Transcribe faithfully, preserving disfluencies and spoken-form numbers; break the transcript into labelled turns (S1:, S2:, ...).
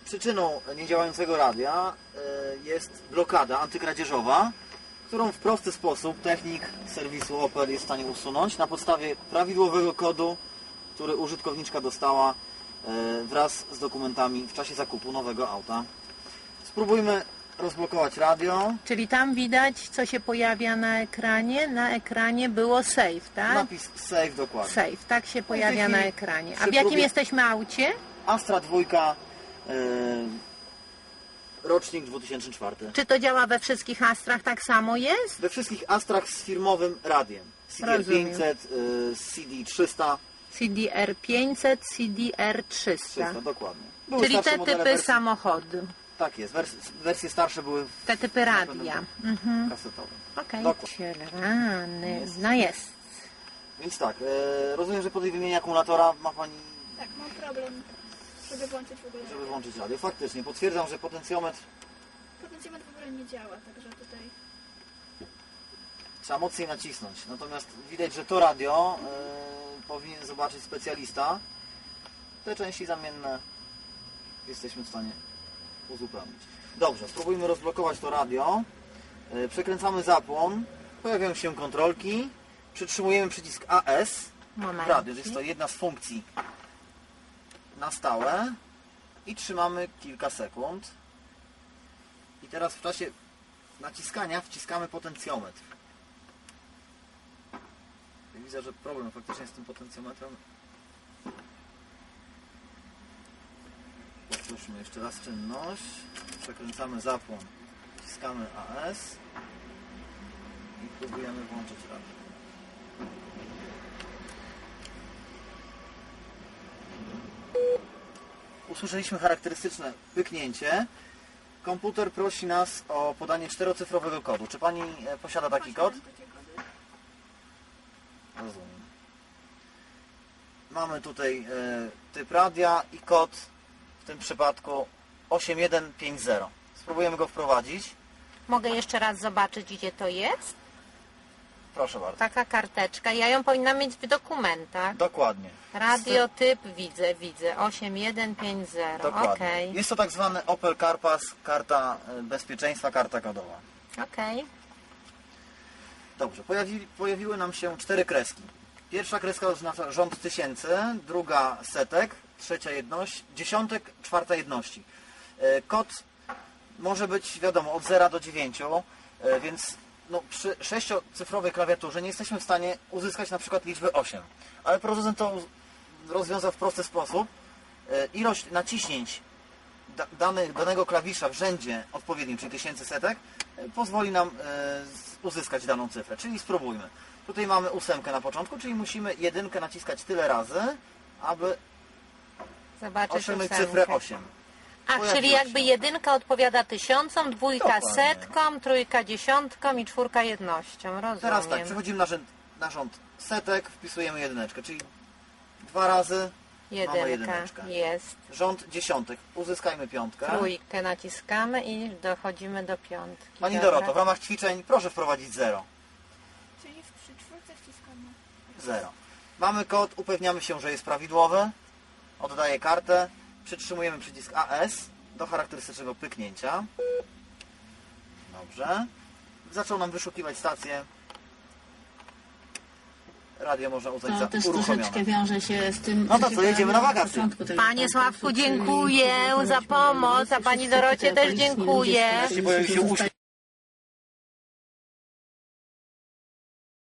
S1: Przyczyną niedziałającego radia jest blokada antykradzieżowa, którą w prosty sposób technik serwisu Opel jest w stanie usunąć na podstawie prawidłowego kodu, który użytkowniczka dostała wraz z dokumentami w czasie zakupu nowego auta. Spróbujmy rozblokować radio.
S2: Czyli tam widać, co się pojawia na ekranie. Na ekranie było save, tak?
S1: Napis save dokładnie.
S2: Save, tak się pojawia na ekranie. A w
S1: przy
S2: jakim
S1: próbie-
S2: jesteśmy aucie?
S1: Astra dwójka, yy, rocznik dwa tysiące czwarty.
S2: Czy to działa we wszystkich Astrach tak samo jest?
S1: We wszystkich Astrach z firmowym radiem. C D R
S2: Rozumiem.
S1: pięćset, yy, C D trzysta.
S2: C D R pięćset, C D R trzysta.
S1: trzysta, dokładnie. Były
S2: Czyli
S1: starsze
S2: te
S1: modele
S2: typy
S1: wersji-
S2: samochodu,
S1: Tak jest, wers wersje starsze były w
S2: te typy radia. Mhm.
S1: kasetowym.
S2: Okej.
S1: Dokładnie.
S2: Rany. No jest.
S1: Więc tak, yy, rozumiem, że po tej wymianie akumulatora ma Pani,
S3: Tak, mam problem, żeby włączyć w ogóle.
S1: żeby włączyć radio. Faktycznie, potwierdzam, że potencjometr
S3: Potencjometr w ogóle nie działa, także tutaj...
S1: trzeba mocniej nacisnąć. Natomiast widać, że to radio yy, powinien zobaczyć specjalista. Te części zamienne jesteśmy w stanie uzupełnić. Dobrze, spróbujmy rozblokować to radio. Yy, przekręcamy zapłon. Pojawiają się kontrolki. Przytrzymujemy przycisk A S.
S2: Moment.
S1: Radio, jest to jedna z funkcji na stałe. I trzymamy kilka sekund. I teraz w czasie naciskania wciskamy potencjometr. Widzę, że problem faktycznie z tym potencjometrem. Powtórzmy jeszcze raz czynność. Przekręcamy zapłon. Wciskamy A S. I próbujemy włączyć radio. Usłyszeliśmy charakterystyczne pyknięcie. Komputer prosi nas o podanie czterocyfrowego kodu. Czy Pani e, posiada taki kod?
S3: Posiadam takie kody.
S1: Rozumiem. Mamy tutaj e, typ radia i kod w tym przypadku osiem jeden pięć zero. Spróbujemy go wprowadzić.
S2: Mogę jeszcze raz zobaczyć, gdzie to jest?
S1: Proszę bardzo.
S2: Taka karteczka. Ja ją powinnam mieć w dokumentach.
S1: Dokładnie.
S2: Radio typ widzę, widzę. osiem jeden pięć zero.
S1: Dokładnie.
S2: Okej.
S1: Jest to tak zwany Opel CarPass, karta e, bezpieczeństwa, karta kodowa.
S2: Okej.
S1: Dobrze, pojawi, pojawiły nam się cztery kreski. Pierwsza kreska oznacza rząd tysięcy, druga setek, trzecia jedność, dziesiątek, czwarta jedności. E, Kod może być, wiadomo, od zera do dziewięciu, e, więc no, przy sześciocyfrowej klawiaturze nie jesteśmy w stanie uzyskać na przykład liczby osiem. Ale producent to rozwiązał w prosty sposób. E, Ilość naciśnięć da, danych, danego klawisza w rzędzie odpowiednim, czyli tysięcy setek, e, pozwoli nam e, uzyskać daną cyfrę. Czyli spróbujmy. Tutaj mamy ósemkę na początku, czyli musimy jedynkę naciskać tyle razy, aby
S2: Zobaczyć
S1: osiągnąć
S2: ósemkę.
S1: cyfrę osiem.
S2: A,
S1: Pojawiło
S2: czyli
S1: się.
S2: jakby jedynka odpowiada tysiącom, dwójka
S1: Dokładnie.
S2: setkom, trójka dziesiątkom i czwórka jednością. Rozumiem.
S1: Teraz tak, przechodzimy na rząd, na rząd setek, wpisujemy jedyneczkę, czyli dwa razy mamy
S2: Jedynka
S1: jedyneczkę.
S2: jest.
S1: Rząd dziesiątek, uzyskajmy piątkę.
S2: Trójkę naciskamy i dochodzimy do piątki.
S1: Pani
S2: Dobra.
S1: Doroto, w ramach ćwiczeń proszę wprowadzić zero.
S3: Czyli przy czwórce wciskamy.
S1: zero. Mamy kod, upewniamy się, że jest prawidłowy. Oddaję kartę. Przytrzymujemy przycisk A S do charakterystycznego pyknięcia. Dobrze. Zaczął nam wyszukiwać stację. Radio można uznać
S4: To
S1: za
S4: też
S1: uruchomione.
S4: troszeczkę wiąże się z tym,
S1: No to
S4: się
S1: co, jedziemy na
S4: pojawiło
S1: wakacje.
S4: początku tego
S2: Panie
S4: konkursu,
S2: Sławku,
S4: czyli
S2: dziękuję za pomoc, a pani Dorocie też dziękuję.
S1: Wreszcie pojawił się uśmiech.